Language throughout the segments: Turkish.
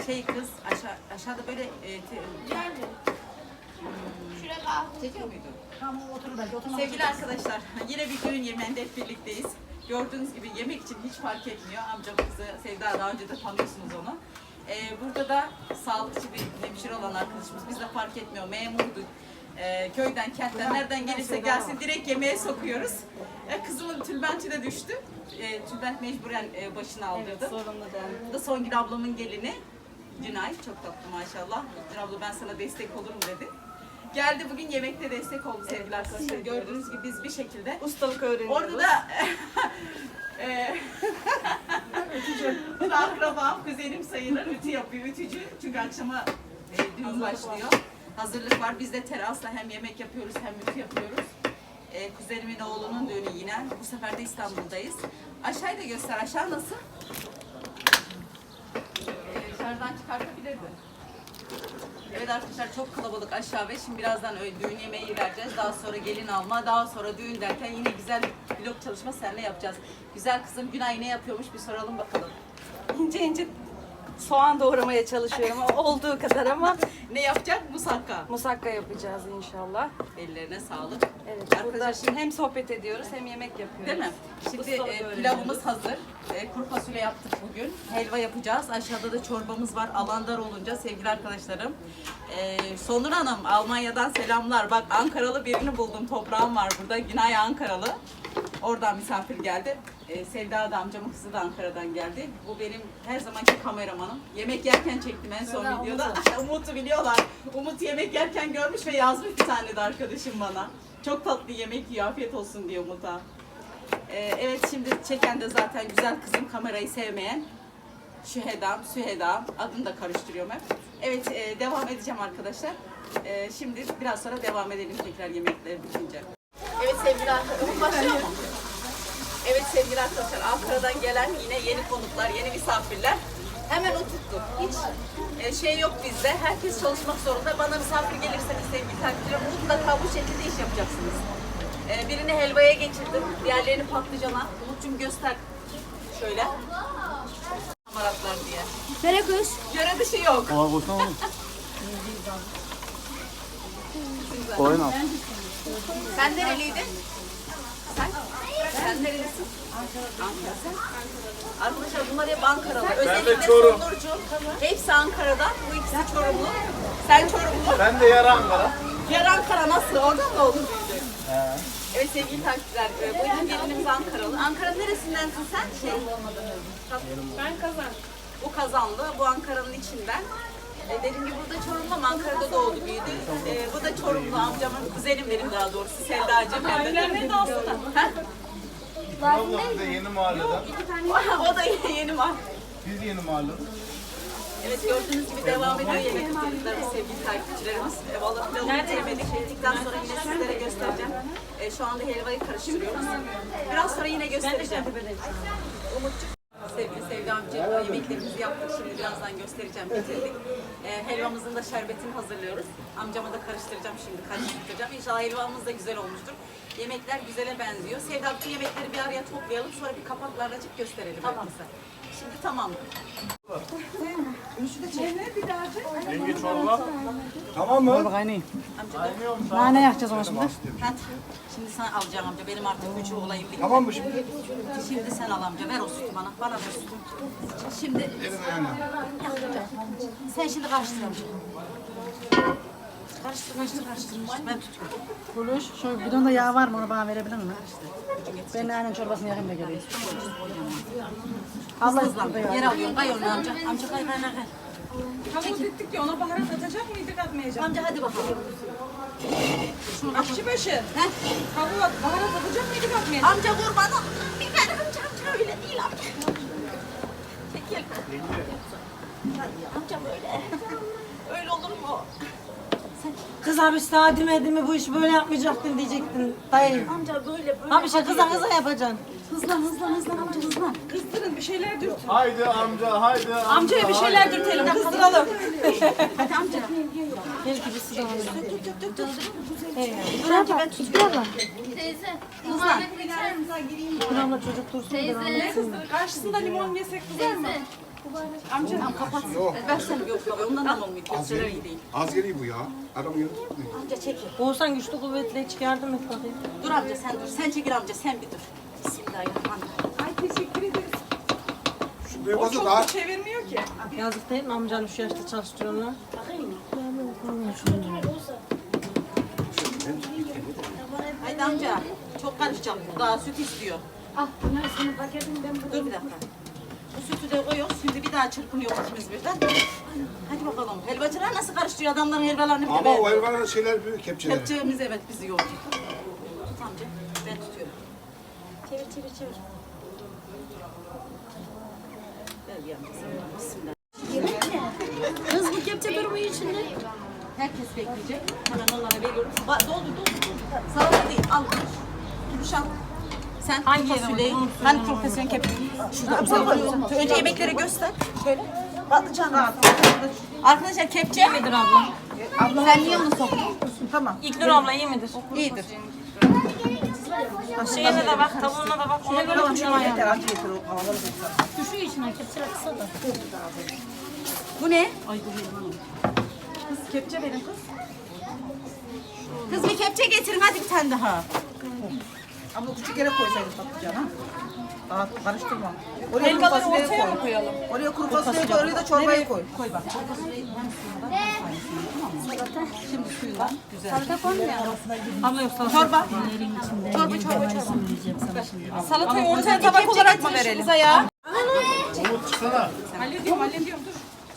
kız aşağıda böyle Şuraya çekiyor muydu? Tamam otur belki oturma. Sevgili arkadaşlar, yine bir düğün yemeğinde hep birlikteyiz. Gördüğünüz gibi yemek için hiç fark etmiyor. Amcam kızı Sevda, daha önce de tanıyorsunuz onu. Burada da sağlıkçı bir hemşire olan arkadaşımız. Biz de fark etmiyor. Memurdu. Köyden, kentten, nereden gelirse gelsin direkt yemeğe sokuyoruz. Kızımın tülbenti de düştü. Tülbent mecburen başına aldırdı. Evet, sorunlu değil. Bu da Songül ablamın gelini. Günay, çok tatlı maşallah. Günay abla ben sana destek olurum dedi. Geldi bugün yemekte destek oldu sevgili arkadaşlar. Gördüğünüz gibi biz bir şekilde Ustalık öğreniyoruz. orada da bu da akrabam, kuzenim sayılır, ütü yapıyor, ütücü. Çünkü akşama düğün başlıyor. Hazırlık var. Biz de terasla hem yemek yapıyoruz hem ütü yapıyoruz. Kuzenimin oğlunun düğünü yine. Bu sefer de İstanbul'dayız. Aşağıyı da göster. Aşağı nasıl? Dışarıdan çıkartabilirdi. Evet arkadaşlar çok kalabalık aşağı ve şimdi birazdan düğün yemeği vereceğiz. Daha sonra gelin alma, daha sonra düğün derken yine güzel bir vlog çalışma seninle yapacağız. Güzel kızım Günay ne yapıyormuş bir soralım bakalım. İnce ince soğan doğramaya çalışıyorum olduğu kadar ama Ne yapacak? Musakka. musakka yapacağız inşallah. Ellerine sağlık. Evet, burada Arkadaşlar şimdi hem sohbet ediyoruz hem yemek yapıyoruz. değil mi? Şimdi Ustalık öğreniyoruz. pilavımız hazır. Kuru fasulye yaptık bugün. Helva yapacağız. Aşağıda da çorbamız var. Alandar olunca sevgili arkadaşlarım. Sonur Hanım Almanya'dan selamlar. Bak Ankaralı birini buldum. Toprağım var burada. Günay Ankaralı. Oradan misafir geldi. Sevda da amcamın kızı da Ankara'dan geldi. Bu benim her zamanki kameramanım. Yemek yerken çektim en son videoda. Umut'u biliyorlar. Umut yemek yerken görmüş ve yazmış bir tane de arkadaşım bana. Çok tatlı yemek yiyor. Afiyet olsun diyor Umut'a. Evet şimdi çeken de zaten güzel kızım, kamerayı sevmeyen. Sühedam adını da karıştırıyorum hep. Evet devam edeceğim arkadaşlar. Şimdi biraz sonra devam edelim tekrar yemekleri bitince. Evet sevgili arkadaşlar, başlıyor mu? Evet sevgili arkadaşlar, Ankara'dan gelen yine yeni konuklar, yeni misafirler. Hemen oturttuk. Hiç şey yok bizde. Herkes çalışmak zorunda. Bana misafir gelirseniz sevgili takipçilerim mutlaka bu şekilde iş yapacaksınız. Birini helvaya geçirdim. Diğerlerini patlıcana. Umut'cum göster. Şöyle. Hamaratlar diye. Nereye koyuyoruz? Yöre dışı yok. Kolay olsun oğlum. Oyun al. Sen nereliydin? Sen nerelisin? Ankara. Sen? Arkadaşlar bunlar hep Ankaralı. Özellikle Çorum. Sonurcuğum. Hepsi Ankara'dan. Bu ikisi Çorumlu. Sen Çorumlu. Ben de yarı Ankara. Yer Ankara nasıl? Oradan mı oldun büyüdün? Evet sevgili takipçiler. Bu iki gelinimiz Ankaralı. Ankara'nın neresindensin sen? Ben kazan. Bu Kazanlı. Bu Ankara'nın içinden. Dediğim gibi burada Çorumlu ama Ankara'da doğdu büyüdü. Bu da Çorumlu amcamın kuzenim benim daha doğrusu. Sevdacığım. Ailemle de aslında. Abla bir de yeni mahalleden. O da yeni mal. Biz yeni mahalleden. Evet gördüğünüz gibi devam ediyor yemek hazırlıklarımız sevgili takipçilerimiz. Vallahi pilavını yemedik. Yedikten sonra yine sizlere göstereceğim. Şu anda helvayı karıştırıyoruz. Biraz sonra yine göstereceğim. Umut'cuk. Sevgili Sevda amca yemeklerimizi yaptık. Şimdi birazdan göstereceğim. Bitirdik. Helvamızın da şerbetini hazırlıyoruz. Amcama da karıştıracağım şimdi. Karıştıracağım. İnşallah helvamız da güzel olmuştur. Yemekler güzele benziyor. Sevda amca yemekleri bir araya toplayalım. Sonra bir kapaklarla açıp gösterelim. Tamam. Şimdi tamam. Yenge çorba. Tamam mı? Bak aynı. Amca da. Nane yakacağız ona şimdi. Hadi. Şimdi sen alacağım amca. Benim artık gücü olayım. Bitti. Tamam mı şimdi? Şimdi sen al amca. Ver o sütü bana. Bana ver sütü. Şimdi Elime yani. sen şimdi karıştır amca. Karıştır. Ben tutuyorum. Buluş. Şu bidonda yağ var mı onu bana verebilir misin? Ben aynen çorbasını yakayım da geleyim. Hızlı hızlı. Yer alıyorum. Kay onu amca. Amca kay. Tavuk ettik ya ona baharat atacak mıydık atmayacak? Amca hadi bakalım. Aşçıbaşı. Heh. Tavuğa baharat atacak mıydık atmayacak? Amca kurban ol. Biber amca öyle değil amca. Çekil. Amca böyle. Öyle olur mu? Kız abi sana demedi mi bu iş böyle yapmayacaktın diyecektin dayı. Amca böyle. Abi şey kıza yapacaksın. Hızlan amca hızlan. Kızdırın bir şeyler dürtün. Haydi amca, haydi amca. Amcaya bir şeyler dürtelim kızdıralım. Hadi amca. Belki bir su da alırım. Dur amca ben tutuyorum. Teyze. Hızlan. Buramda çocuk dursun. Teyze. Karşısında limon yesek kızar mı? Teyze. Amca kapat. Versene yok baba ondan da olmuyor. Köfteler iyi değil. Az geliyor bu ya. Adam yanıyor. Amca çekil. Oğuzhan güçlü kuvvetli çık yardım et bakayım. Dur amca sen dur. Sen çekil amca sen bir dur. Bismillahirrahmanirrahim. Ay teşekkür ederiz. Şu büyük O olsa çok daha. da çevirmiyor ki. Yazık değil mi amcanın şu yaşta çalıştırıyorlar? Haydi amca. Çok karışacak bu. Daha süt istiyor. Ah, bunlar senin paketin ben burada. Dur bir dakika. Bu sütü de koyuyoruz. Şimdi bir daha çırpınıyor ikimiz birden. Hadi bakalım. Helvacılar nasıl karıştırıyor adamların helvalarını bir de Ama ben. o hayvanların şeyler büyük kepçeleri. Kepçemiz evet bizi yordu. Tut amca. Ben tutuyorum. Çevir çevir çevir. Ver bir amca sen. Bismillah. Kız bu kepçe durumu içinde. Herkes bekleyecek. Hemen onlara veriyorum. Doldur. Salata değil. Al. Gülüşen. Sen hangi fasulyeyi? Ben profesyonel kepçe. Şurada uzak. Önce yemekleri göster. Şöyle. Patlıcan rahat. Arkadaşlar kepçe. İyi midir abla? Sen niye onu soktun? Tamam. İlknur abla iyi midir? İyidir. Şeyine de bak, tavuğuna da bak. Ona göre uçurma yani. Yeter acı yeter o havaları bekler. Düşüyor içine kepçe kısa da. Bu ne? Ay bu ne? Kız kepçe verin kız. Kız bir kepçe getirin hadi bir tane daha. Ama küçük yere koysaydın patlıcan ha. Daha karıştırma. Oraya kuru Helvaları fasulyeyi ortaya koy. mı koyalım? Oraya kuru fasulyeyi koy, oraya da çorbayı koy. Koy bak. Şimdi suyla güzel. Salata koymuyor. Abla yok salata. Çorba. Çorba. Salatayı ortaya tabak olarak mı verelim? Ya. Umut çıksana. Hallediyorum dur.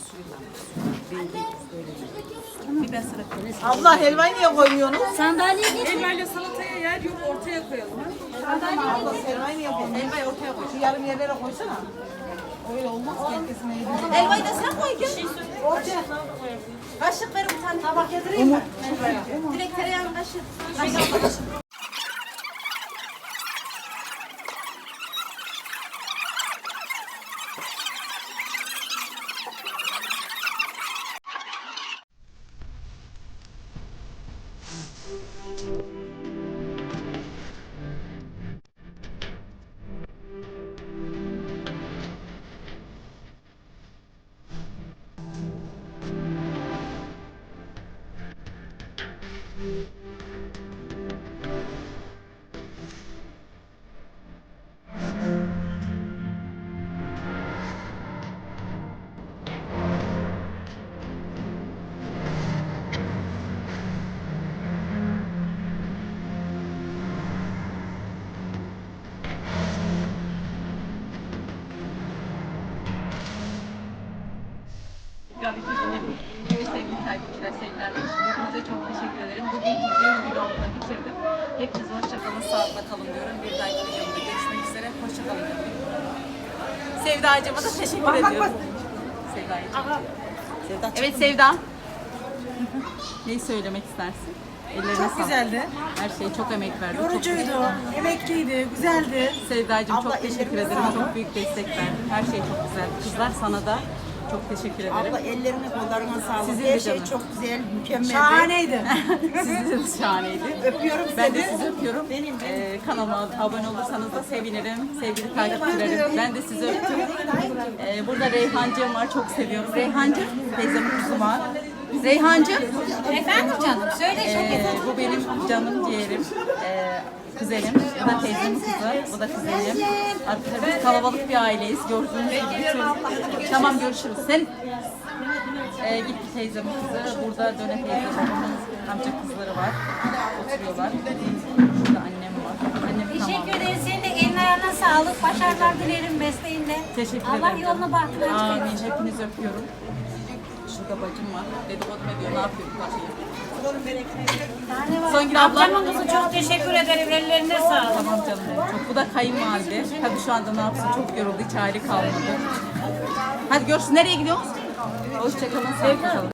Bir ben sıra koyayım. Abla helvayı niye koymuyorsunuz? Sandalye getir. Elmayla salataya yer yok ortaya koyalım. Abla helvayı niye koymuyorsun? Helvayı ortaya koy. Şu yarım yerlere koysana. Öyle olmaz ki herkesin eğildi. Helvayı da sen koy gel. Ortaya. Kaşık verin bir tane tabak getireyim mi? Direkt tereyağını kaşık. Kaşık. Sevgili takipçiler, sevgiler. Hepinize çok teşekkür ederim. Bugün videoyu vlogla bitirdim. Hepinize hoşçakalın, sağlıkla kalın diyorum. Bir dahaki videomda görüşmek üzere. Hoşçakalın diyorum. Sevdacığıma da teşekkür ediyorum. Sevdacığım. Evet Sevda. Neyi söylemek istersin? Ellerine Çok sağlık. güzeldi. Her şey çok emek verdi. Çok Yorucuydu, emekliydi, güzeldi. Sevdacığım Abla, çok teşekkür ellerine ederim. sağlık. Çok büyük destek verdin. Her şey çok güzel. Kızlar sana da çok teşekkür ederim. Abla ellerine kollarına sağlık. Sizin de Her şey canım. çok güzel, mükemmel. Şahaneydi. Sizin de şahaneydi. Öpüyorum Ben de seni. sizi öpüyorum. Kanalıma abone olursanız da sevinirim. Sevgili takipçilerim. Ben de sizi öptüm. Burada Reyhancığım var. Çok seviyorum. Reyhancığım teyzemin kızı var. Reyhancığım. Efendim canım söyle Bu benim canım ciğerim. Kuzenim. Bu da teyzemin kızı. Bu da kuzenim. Arkadaşlar biz kalabalık bir aileyiz. Gördüğünüz gibi. Tamam görüşürüz. Sen gitti teyzemin kızı. Burada Döne teyze babamın amca kızları var. Oturuyorlar. Burada annem var. Annem Teşekkür tamam. ederiz. Senin de eline ayağına sağlık. Başarılar dilerim mesleğinde. Teşekkür Allah ederim. yolunu bahtını açık Amin. eylesin. Hepinizi öpüyorum. Şurada bacım var. Dedikodu ediyor. Ne yapıyor bu bakayım? Songül abla. Ablamın kızı çok teşekkür ederim. Ellerine sağlık. Tamam canım benim. Çok. Bu da kayınvalide. Tabii şu anda ne yapsın? Çok yoruldu. Hiç hali kalmadı. Hadi görüşürüz. Nereye gidiyoruz? Hoşçakalın. Sevgiler.